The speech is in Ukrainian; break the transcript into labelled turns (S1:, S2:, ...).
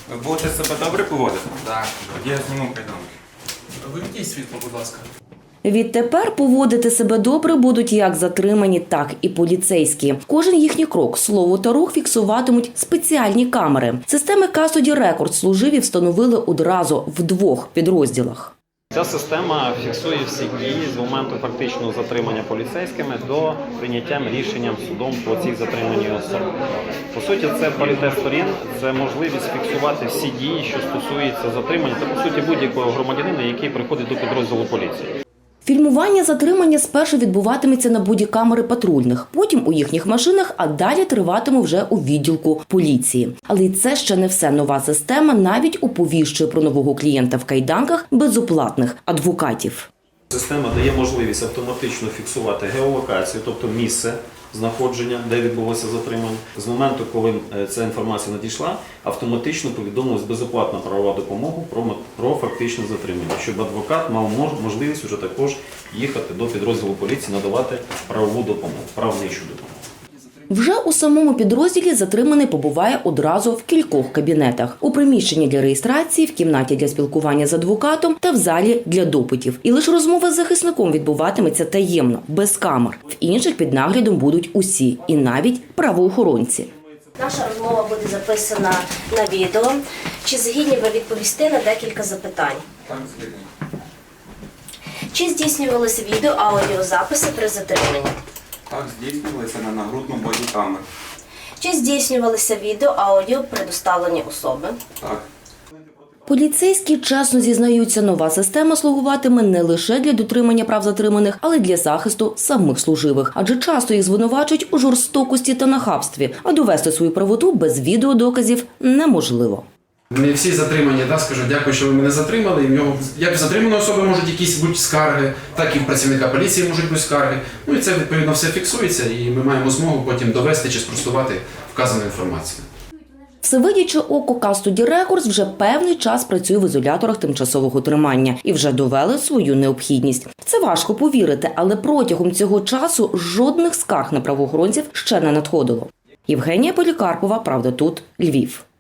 S1: Ви будете себе добре поводити? Так. Я зніму кайданки.
S2: Вимкніть світло, будь ласка.
S3: Відтепер поводити себе добре будуть як затримані, так і поліцейські. Кожен їхній крок, слово та рух фіксуватимуть спеціальні камери. Системи Custody Records служиві встановили одразу в 2 підрозділах.
S4: Ця система фіксує всі дії з моменту фактичного затримання поліцейськими до прийняття рішенням судом по цій затриманій особі. По суті, це паритет сторін, це можливість фіксувати всі дії, що стосуються затримання та, по суті, будь-якого громадянина, який приходить до підрозділу поліції.
S3: Фільмування затримання спершу відбуватиметься на бодікамери патрульних, потім у їхніх машинах, а далі триватиме вже у відділку поліції. Але й це ще не все. Нова система навіть оповіщує про нового клієнта в кайданках безоплатних адвокатів.
S4: Система дає можливість автоматично фіксувати геолокацію, тобто місце знаходження, де відбулося затримання. З моменту, коли ця інформація надійшла, автоматично повідомилась безоплатна правова допомога про фактичне затримання, щоб адвокат мав можливість вже також їхати до підрозділу поліції, надавати правову допомогу, правничу допомогу.
S3: Вже у самому підрозділі затриманий побуває одразу в кількох кабінетах. У приміщенні для реєстрації, в кімнаті для спілкування з адвокатом та в залі для допитів. І лише розмова з захисником відбуватиметься таємно, без камер. В інших під наглядом будуть усі, і навіть правоохоронці.
S5: Наша розмова буде записана на відео. Чи згідні ви відповісти на декілька запитань?
S1: Так, згідно.
S5: Чи здійснювалися відео-аудіозаписи при затриманні?
S1: Так, здійснювалися на нагрудну бодікамеру.
S5: Чи здійснювалися відео-аудіо при доставленні особи?
S1: Так.
S3: Поліцейські чесно зізнаються, нова система слугуватиме не лише для дотримання прав затриманих, але й для захисту самих служивих. Адже часто їх звинувачують у жорстокості та нахабстві, а довести свою правоту без відеодоказів неможливо.
S2: Не всі затримані, скажу, дякую, що ви мене затримали. І в нього, як в затриманої особи можуть якісь бути скарги, так і в працівника поліції можуть бути скарги. І це, відповідно, все фіксується, і ми маємо змогу потім довести чи спростувати вказану інформацію.
S3: Всевидяче око Custody Records вже певний час працює в ізоляторах тимчасового тримання і вже довели свою необхідність. Це важко повірити, але протягом цього часу жодних скарг на правоохоронців ще не надходило. Євгенія Полікарпова, Правда тут, Львів.